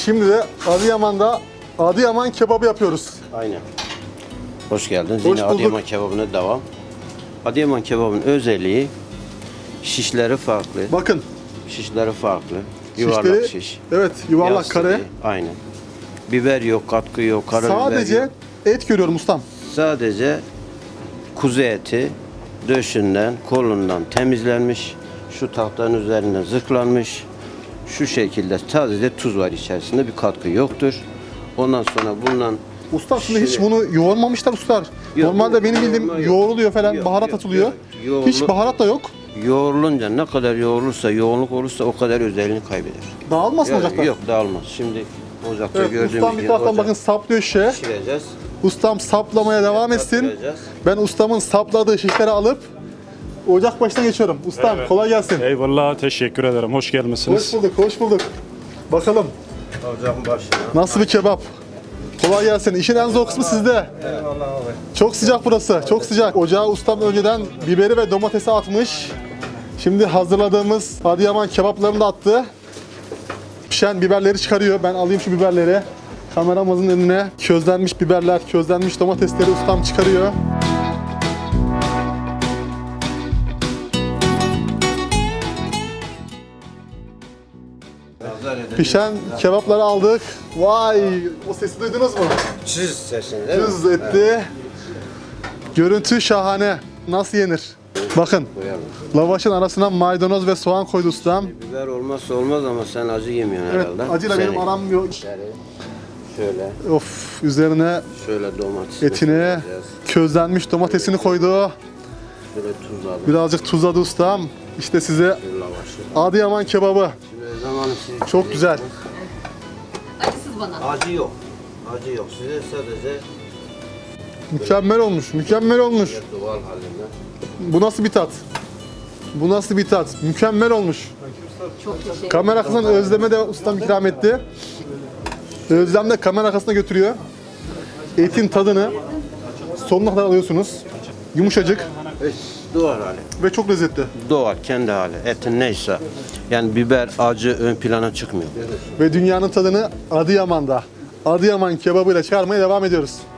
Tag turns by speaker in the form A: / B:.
A: Şimdi de Adıyaman'da Adıyaman kebabı yapıyoruz.
B: Aynen. Hoş geldiniz.
A: Hoş
B: Yine
A: bulduk.
B: Adıyaman kebabına devam. Adıyaman kebabının özelliği şişleri farklı.
A: Bakın.
B: Şişleri farklı. Yuvarlak
A: Şişleri,
B: şiş.
A: evet, yuvarlak
B: Yassı
A: kare.
B: değil. Aynen. Biber yok, katkı yok, karabiber
A: Sadece
B: yok.
A: et görüyorum ustam.
B: Sadece kuzu eti döşünden, kolundan temizlenmiş. Şu tahtanın üzerinden zırhlanmış. Şu şekilde sadece tuz var içerisinde, bir katkı yoktur. Ondan sonra bundan
A: Usta şimdi hiç bunu yoğurmamışlar ustalar.
B: Yok,
A: Normalde benim bildiğim
B: yoğurma yok.
A: yoğruluyor falan,
B: Yok,
A: baharat
B: yok,
A: atılıyor.
B: yok.
A: Hiç baharat da yok.
B: yoğrulunca ne kadar yoğrulursa, yoğunluk olursa o kadar özelliğini kaybeder.
A: Dağılmaz mı ocakta?
B: Yok, dağılmaz. Şimdi ocakta
A: Evet,
B: gördüğümüz
A: ustam bir taraftan bakın saplıyor şişe.
B: pişireceğiz.
A: Ustam saplamaya devam etsin.
B: Yaptıracağız.
A: Ben ustamın sapladığı şişleri alıp ocak başına geçiyorum. Ustam kolay gelsin.
C: Eyvallah, teşekkür ederim. Hoş gelmişsiniz.
A: Hoş bulduk, hoş bulduk. Bakalım
B: Ocağın başına.
A: nasıl bir kebap. Kolay gelsin. İşin en zor kısmı sizde.
B: Eyvallah abi.
A: Çok sıcak burası, çok sıcak. Ocağa ustam önceden biberi ve domatesi atmış. Şimdi hazırladığımız Adıyaman kebaplarını da attı. Pişen biberleri çıkarıyor. Ben alayım şu biberleri. Kameramızın önüne közlenmiş biberler, közlenmiş domatesleri ustam çıkarıyor. Pişen kebapları aldık. Vay! O sesi duydunuz mu?
B: Çiz sesini değil mi?
A: Cız etti. Görüntü şahane. Nasıl yenir? Bakın.
B: Koyalım.
A: Lavaşın arasına maydanoz ve soğan koydu ustam.
B: Biber olmazsa olmaz ama sen acı yemiyorsun
A: Evet,
B: herhalde.
A: acıyla benim
B: Seni.
A: aram yok.
B: Şöyle,
A: Of, üzerine
B: şöyle domates.
A: etine közlenmiş domatesini koydu.
B: Şöyle tuz aldım.
A: Birazcık tuzladı ustam. İşte size
B: Şöyle lavaşı.
A: Adıyaman kebabı.
B: Şimdi zamanı siz
A: Çok güzel.
D: Acısız bana.
B: Acı yok. Acı yok. Size sadece
A: Mükemmel olmuş, mükemmel olmuş.
B: doğal halinde.
A: Bu nasıl bir tat? Bu nasıl bir tat? Mükemmel olmuş.
D: Çok teşekkür
A: Kamera arkasından Özlem'e de ustam ikram etti. Özlem de kamera arkasına götürüyor. Etin tadını sonuna kadar alıyorsunuz. Yumuşacık
B: Doğal hali.
A: ve çok lezzetli.
B: Doğal, kendi hali. Etin neyse. Yani biber, acı ön plana çıkmıyor.
A: Ve dünyanın tadını Adıyaman'da, Adıyaman kebabıyla çıkarmaya devam ediyoruz.